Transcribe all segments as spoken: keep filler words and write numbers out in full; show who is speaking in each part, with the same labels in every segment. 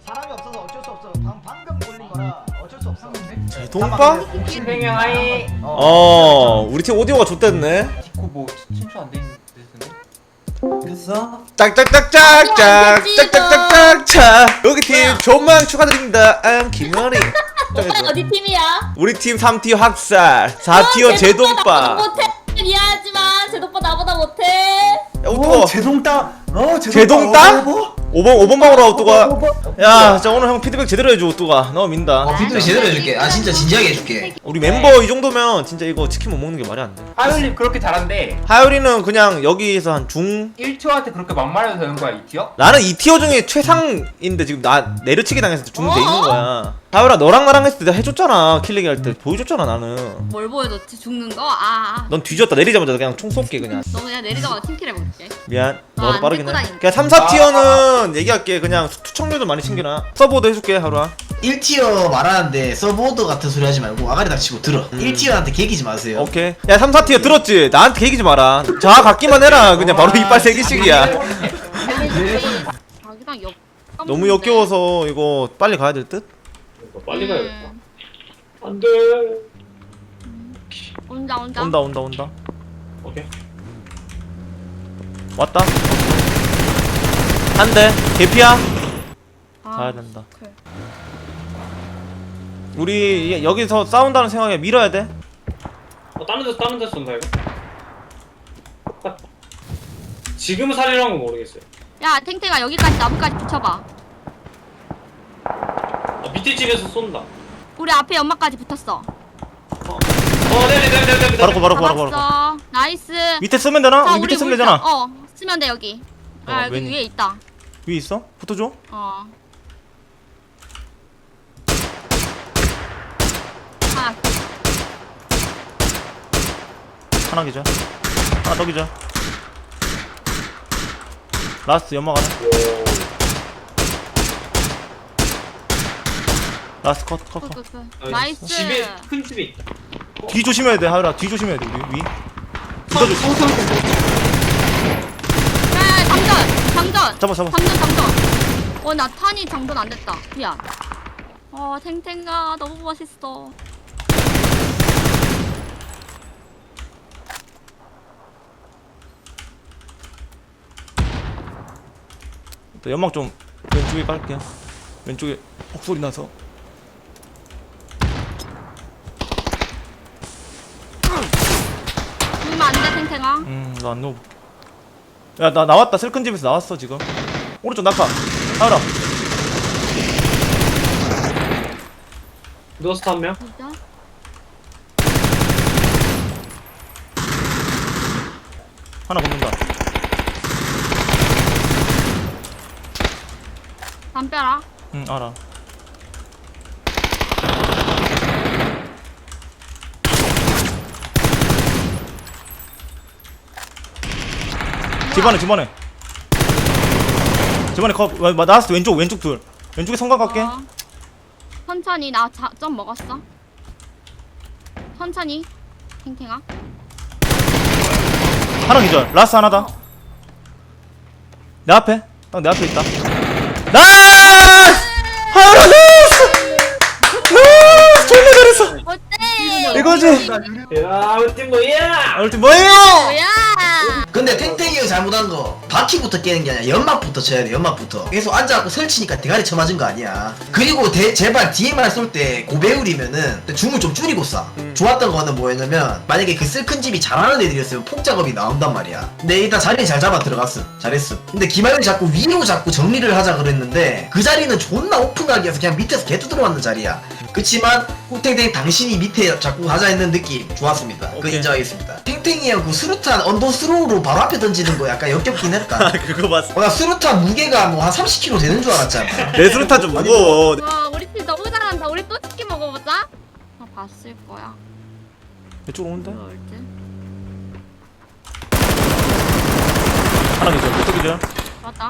Speaker 1: 사람이 없어서 어쩔 수 없어. 방, 방금 올린 거라 어쩔 수 없어.
Speaker 2: 제동빵?
Speaker 3: 신생형 하이.
Speaker 2: 어 우리 팀 오디오가 좋댔네.
Speaker 3: 디코 뭐 친추 안 돼 있는 데서네.
Speaker 4: 됐어?
Speaker 2: 짝짝짝짝짝 짝짝짝짝짝 여기 팀 존망 축하드립니다. I'm 김현이.
Speaker 5: 오빠 어디 팀이야?
Speaker 2: 우리 팀 삼 티어 학살 사 티어 제동빵.
Speaker 5: 못해. 미안하지만 제동빠 나보다 못해.
Speaker 2: 야
Speaker 4: 오
Speaker 2: 오뚜가
Speaker 4: 제동땅 어
Speaker 2: 제동땅?
Speaker 4: 어,
Speaker 2: 오 번 오 번 방으로 오뚜가.
Speaker 4: 어, 어,
Speaker 2: 야 진짜 오늘 형 피드백 제대로 해줘 오뚜가. 너 민다.
Speaker 6: 어 피드백 제대로 해줄게. 아 진짜 진지하게 해줄게.
Speaker 2: 우리 멤버 이 정도면 진짜 이거 치킨 못 먹는 게 말이 안 돼.
Speaker 3: 하율님 그렇게 잘한데
Speaker 2: 하율이는 그냥 여기서 한 중.
Speaker 3: 일 티어한테 그렇게 막말해도 되는 거야 이 티어?
Speaker 2: 나는 이 티어 중에 최상인데 지금 나 내려치기 당해서 중 돼 있는 거야. 하율아 너랑 나랑 했을 때 내가 해줬잖아. 킬레기 할 때 보여줬잖아 나는.
Speaker 5: 뭘 보여줬지? 죽는 거? 아,
Speaker 2: 넌 뒤졌다. 내리자마자 그냥 총 쏠게 그냥.
Speaker 5: 너 그냥 내리자마자 팀킬 해볼게.
Speaker 2: 미안.
Speaker 5: 아,
Speaker 2: 너도
Speaker 5: 안
Speaker 2: 빠르긴 해.
Speaker 5: 데리고 다니네.
Speaker 2: 그냥 삼, 사 티어는 얘기할게. 그냥 투척률도 많이 챙겨놔. 서버도 해줄게 하루아.
Speaker 6: 일 티어 말하는데 서브오더 같은 소리 하지 말고 아가리 닥치고 들어. 일 티어한테 개기지 마세요.
Speaker 2: 오케이. 야 삼, 사 티어 들었지? 나한테 개기지 마라. 자 갖기만 해라. 그냥 바로 이빨 세 개씩이야.
Speaker 5: 자기랑 역.
Speaker 2: 너무 역겨워서 이거 빨리 가야 될 듯?
Speaker 7: 빨리 가야겠다.
Speaker 5: 음.
Speaker 7: 안 돼.
Speaker 5: 온다 온다.
Speaker 2: 온다 온다 온다.
Speaker 7: 오케이.
Speaker 2: 왔다. 한 대. 개피야.
Speaker 5: 아,
Speaker 2: 가야 된다.
Speaker 5: 그래.
Speaker 2: 우리 여기서 싸운다는 생각에 밀어야 돼.
Speaker 7: 어, 다른 데서 다른 데서 쏜다 이거. 지금 살이란 건 모르겠어요.
Speaker 5: 야 탱탱아 여기까지 나무까지 붙여봐.
Speaker 7: 아, 밑에 집에서 쏜다.
Speaker 5: 우리 앞에 연막까지 붙었어.
Speaker 7: 어, 네네 네네 네네.
Speaker 2: 바로 거 바로 거 바로 거.
Speaker 5: 잡았어. 나이스.
Speaker 2: 밑에 쓰면 되나?
Speaker 5: 자,
Speaker 2: 우리 밑에 쓰면
Speaker 5: 우리
Speaker 2: 되잖아.
Speaker 5: 어 쓰면 돼 여기. 아
Speaker 2: 어,
Speaker 5: 여기
Speaker 2: 왼-
Speaker 5: 위에 있다.
Speaker 2: 위에 있어? 붙어줘.
Speaker 5: 어. 하나.
Speaker 2: 하나 기자. 하나 더 기자. 라스트 연막 하나. 라스트 컷 컷 컷.
Speaker 5: 굿굿굿. 나이스.
Speaker 7: 집에 큰 집에 있다.
Speaker 2: 뒤 조심해야 돼 하율아. 뒤 조심해야 돼 우리 위. 붙어줘.
Speaker 5: 야 장전 장전.
Speaker 2: 잡아 잡아.
Speaker 5: 장전 장전. 어나 탄이 장전 안 됐다. 미안. 어 탱탱아 너무 멋있어.
Speaker 2: 또 연막 좀 왼쪽에 깔게. 왼쪽에 헉소리 나서.
Speaker 5: 죽으면 안돼 탱탱아.
Speaker 2: 음, 너 안 넣어. 야, 나 나왔다. 슬큰 집에서 나왔어 지금. 오른쪽 낙하. 하율아.
Speaker 7: 누웠어 한 명.
Speaker 5: 진짜?
Speaker 2: 하나 붙는다.
Speaker 5: 담벼라.
Speaker 2: 응, 알아. 집안에 집안에 집안에 컵 와, 와, 나왔어. 왼쪽 왼쪽 둘. 왼쪽에 성각 갈게.
Speaker 5: 어. 천천히 나 점 먹었어. 천천히 탱탱아.
Speaker 2: 하나 기절. 라스 하나 더. 내 앞에. 딱 내 앞에 있다. 나이스! 하나 나이스! 나이스! 존나 잘했어.
Speaker 5: 어때?
Speaker 2: 이거지.
Speaker 7: 야, 우리 팀 뭐야?
Speaker 2: 오늘 팀 뭐예요?
Speaker 5: 뭐야?
Speaker 6: 근데 탱탱이가 잘못한 거 바퀴부터 깨는 게 아니라 연막부터 쳐야 돼. 연막부터. 계속 앉아갖고 설치니까 대가리 쳐맞은 거 아니야. 그리고 대, 제발 디엠알 쏠 때 고배율이면은 줌을 좀 줄이고 쏴. 좋았던 거는 뭐였냐면 만약에 그 쓸큰 집이 잘하는 애들이었으면 폭 작업이 나온단 말이야. 근데 일단 자리 잘 잡아 들어갔음. 잘했음. 근데 김하율이 자꾸 위로 자꾸 정리를 하자 그랬는데 그 자리는 존나 오픈하기여서 그냥 밑에서 개 두드러맞는 자리야. 그치만 꿀탱탱 당신이 밑에 자꾸 하자 했는 느낌 좋았습니다. 그거
Speaker 2: 오케이.
Speaker 6: 인정하겠습니다. 탱탱이 형 그 수류탄 언더 스로우로 바로 앞에 던지는 거 약간 역겹긴 했다.
Speaker 2: 그거 봤어.
Speaker 6: 어, 나 수류탄 무게가 뭐 한 삼십 킬로그램 되는 줄 알았잖아.
Speaker 2: 내 수류탄 좀 무거워.
Speaker 5: 와 우리 팀 너무 잘한다. 우리 또 치킨 먹어보자. 아 봤을 거야.
Speaker 2: 이쪽으로 오는데?
Speaker 5: 그럴 듯.
Speaker 2: 하나 기절. 몇 기절?
Speaker 5: 맞다.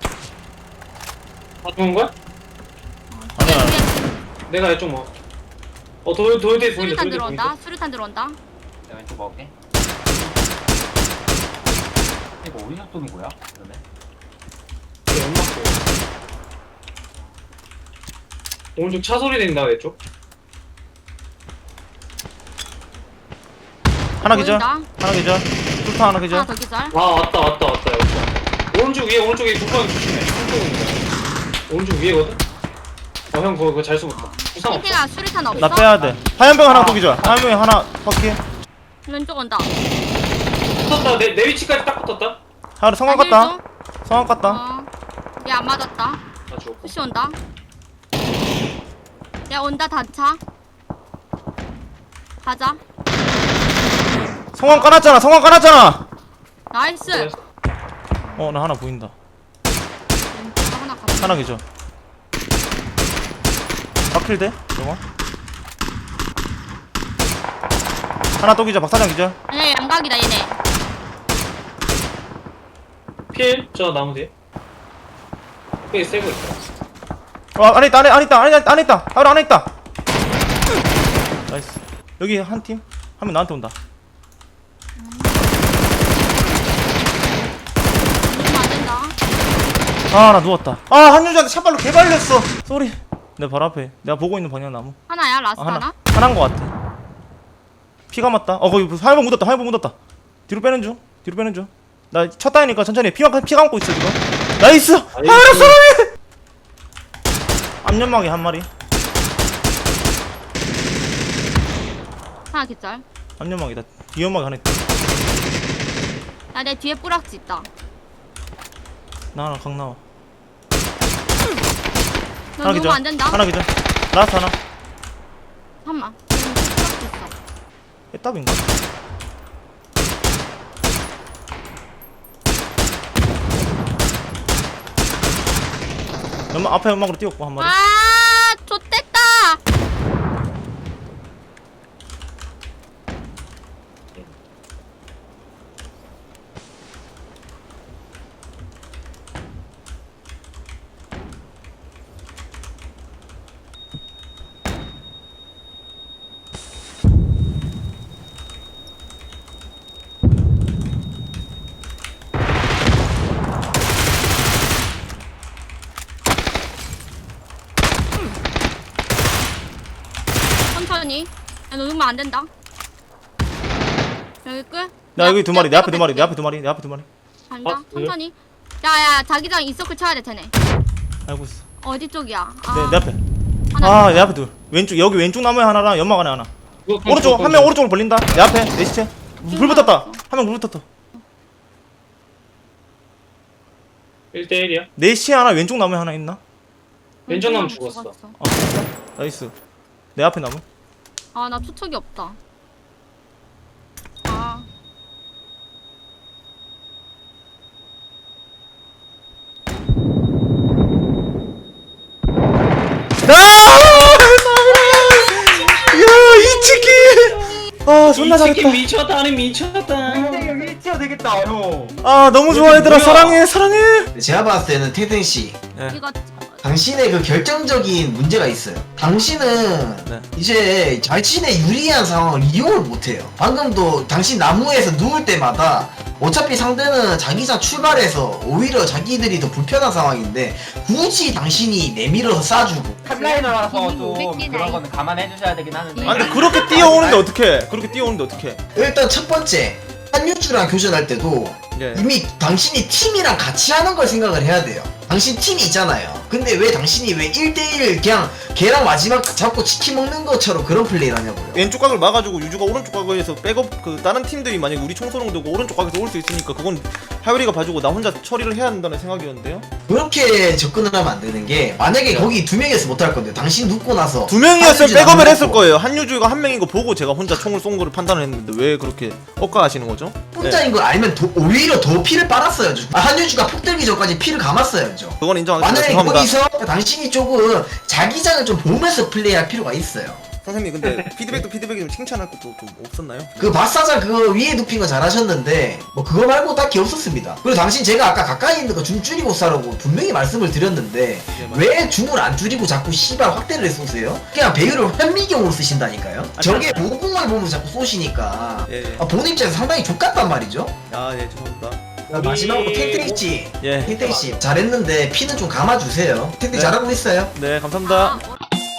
Speaker 7: 다 죽은 거야?
Speaker 2: 아니야.
Speaker 7: 내가 이쪽 뭐. 어, 돌 돌대 보인다.
Speaker 5: 수류탄
Speaker 7: 돌대
Speaker 5: 들어온다.
Speaker 7: 보인다.
Speaker 5: 수류탄 들어온다.
Speaker 3: 내가 왼쪽 먹을게. 이거 어디서 쏘는 거야? 그러면?
Speaker 7: 연막. 오른쪽 차 소리 들린다 내 쪽.
Speaker 2: 하나 기절.
Speaker 5: 보인다.
Speaker 2: 하나 기절. 툴타 하나 기절.
Speaker 5: 하나 더 기절.
Speaker 7: 아 왔다 왔다 왔다 왔다. 오른쪽 위에 오른쪽 위에 두번 조심해. 오른쪽 오른쪽 위에거든. 어형 그거 그거 잘 숨었다. 부상 없어.
Speaker 5: 탱탱아 수류탄 없어?
Speaker 2: 나 빼야 돼. 화염병 하나 또 기절. 화염병 하나 바퀴.
Speaker 5: 왼쪽 온다.
Speaker 7: 붙었다. 내, 내 위치까지 딱 붙었다.
Speaker 2: 하나 성광 갔다. 성광 갔다.
Speaker 5: 어. 얘 안 맞았다.
Speaker 7: 나 죽었고.
Speaker 5: 푸시 온다. 야 온다 단차. 가자.
Speaker 2: 성광 깔았잖아. 성광 깔았잖아.
Speaker 5: 나이스.
Speaker 2: 어, 나 하나 보인다.
Speaker 5: 왼쪽 하나 갔다.
Speaker 2: 하나 기절. 바퀴 돼? 저거. 하나 또 기절. 박사장 기절.
Speaker 5: 아니야 양각이다 얘네.
Speaker 7: 필, 저 나무 뒤에. 거기 세고 있다.
Speaker 2: 어, 안에 있다. 안에 안에 있다. 안에 안에 있다. 바로 안에 있다. 나이스. 여기 한 팀. 한 명 나한테 온다.
Speaker 5: 누르면 안 된다.
Speaker 2: 아, 나 누웠다. 아, 한유주한테 샷발로 개발렸어. 쏘리. 내 발 앞에. 내가 보고 있는 방향 나무.
Speaker 5: 하나야 라스트
Speaker 2: 아,
Speaker 5: 하나?
Speaker 2: 하나. 하나인 것 같아. 피가 맞다. 어, 거기 화염병 묻었다. 화염병 묻었다. 뒤로 빼는 중. 뒤로 빼는 중. 나 첫 다니니까 천천히. 해. 피가 피 감고 있어 지금. 나이스. 하나 쏘리. 앞연막이 한 마리.
Speaker 5: 하나 기절.
Speaker 2: 앞연막이다. 뒤연막이 하나 있다.
Speaker 5: 야 내 뒤에 뿌락지 있다.
Speaker 2: 나 하나 강 나와.
Speaker 5: 너
Speaker 2: 하나
Speaker 5: 누르면
Speaker 2: 기절.
Speaker 5: 안 된다.
Speaker 2: 하나 기절. 라스트 하나.
Speaker 5: 잠깐만. 여기 뿌락지 있어.
Speaker 2: 애답인가? 연막 앞에 연막으로 뛰었고 한 마리.
Speaker 5: 아 좆됐다. 천천히. 야, 너 누르면 안 된다. 여기 끝.
Speaker 2: 나 여기 두 마리. 내 앞에 두 마리. 내 앞에 두 마리. 내 앞에 두 마리.
Speaker 5: 간다.
Speaker 7: 아, 그래요?
Speaker 5: 천천히. 야야 자기장 인서클 쳐야 돼 쟤네.
Speaker 2: 알고 있어.
Speaker 5: 어디 쪽이야? 아,
Speaker 2: 내, 내 앞에.
Speaker 5: 하나
Speaker 2: 아, 내 앞에 둘. 왼쪽 여기 왼쪽 나무에 하나랑 연막 안에 하나.
Speaker 7: 그거 그냥
Speaker 2: 오른쪽
Speaker 7: 죽었거든.
Speaker 2: 한 명 오른쪽으로 벌린다. 내 앞에 내 시체. 불 붙었다. 한 명 불 붙었다.
Speaker 7: 일 대 일이야.
Speaker 2: 내 시체 하나 왼쪽 나무에 하나 있나?
Speaker 7: 왼쪽 나무 죽었어.
Speaker 2: 어, 진짜? 나이스. 내 앞에 나무.
Speaker 5: 아나 투척이 없다. 아
Speaker 2: 야, 이 치킨. 아, 존나
Speaker 7: 이 치킨
Speaker 2: 잘했다.
Speaker 7: 미쳤다, 아니 미쳤다.
Speaker 1: 탱탱이 형 일 티어 되겠다 형.
Speaker 2: 아, 너무 좋아 얘들아.
Speaker 7: 뭐야?
Speaker 2: 사랑해. 사랑해.
Speaker 6: 제가 봤을 때는 태생 씨,
Speaker 5: 이거
Speaker 6: 당신의 그 결정적인 문제가 있어요. 당신은
Speaker 2: 네.
Speaker 6: 이제 자신의 유리한 상황을 이용을 못해요. 방금도 당신 나무에서 누울 때마다 어차피 상대는 자기장 출발해서 오히려 자기들이 더 불편한 상황인데 굳이 당신이 내밀어서 쏴주고
Speaker 3: 탑라이너라서 좀
Speaker 5: 음,
Speaker 3: 그런 거는 감안해 주셔야 되긴 하는데.
Speaker 2: 아, 근데 그렇게 뛰어오는데 어떡해. 그렇게 뛰어오는데 어떡해.
Speaker 6: 일단 첫 번째 한유주랑 교전할 때도
Speaker 2: 예.
Speaker 6: 이미 당신이 팀이랑 같이 하는 걸 생각을 해야 돼요. 당신 팀이 있잖아요. 근데 왜 당신이 왜 일 대 일 그냥 걔랑 마지막 잡고 치킨 먹는 것처럼 그런 플레이를 하냐고요.
Speaker 2: 왼쪽 각을 막아주고 유주가 오른쪽 각에서 백업 그 다른 팀들이 만약에 우리 총소롱 되고 오른쪽 각에서 올 수 있으니까 그건 하율이가 봐주고 나 혼자 처리를 해야 한다는 생각이었는데요.
Speaker 6: 그렇게 접근을 하면 안 되는 게 만약에 거기 두 명이서 못 할 건데 당신 눕고 나서
Speaker 2: 두 명이었으면
Speaker 6: 한유주
Speaker 2: 백업을
Speaker 6: 나무
Speaker 2: 했을
Speaker 6: 먹고
Speaker 2: 거예요. 한유주가 한 명인 거 보고 제가 혼자 총을 쏜 거를 판단을 했는데 왜 그렇게 억까하시는 거죠?
Speaker 6: 혼자인 걸 알면 더, 오히려 더 피를 빨았어야죠. 아, 한유주가 폭 들기 전까지 피를 감았어야죠.
Speaker 2: 그건 인정하겠습니다.
Speaker 6: 만약에
Speaker 2: 죄송합니다.
Speaker 6: 거기서 당신이 조금 자기장을 좀 보면서 플레이할 필요가 있어요.
Speaker 2: 선생님 근데 피드백도 피드백이면 칭찬할 것도 좀 없었나요?
Speaker 6: 그 마사자 그거 위에 눕힌 거 잘하셨는데 뭐 그거 말고 딱히 없었습니다. 그리고 당신 제가 아까 가까이 있는 거 줌 줄이고 싸라고 분명히 말씀을 드렸는데 왜 줌을 안 줄이고 자꾸 씨발 확대를 쏘세요? 그냥 배율을 현미경으로 쓰신다니까요. 저게 모공을 보면서 자꾸 쏘시니까
Speaker 2: 예, 예.
Speaker 6: 아, 본 입장에서 상당히 족같단 말이죠.
Speaker 2: 아, 예, 죄송합니다.
Speaker 6: 마지막으로 탱탱씨
Speaker 2: 예.
Speaker 6: 탱탱씨 잘했는데 피는 좀 감아주세요. 탱탱
Speaker 2: 네.
Speaker 6: 잘하고 있어요.
Speaker 2: 네, 감사합니다.
Speaker 5: 아, 어,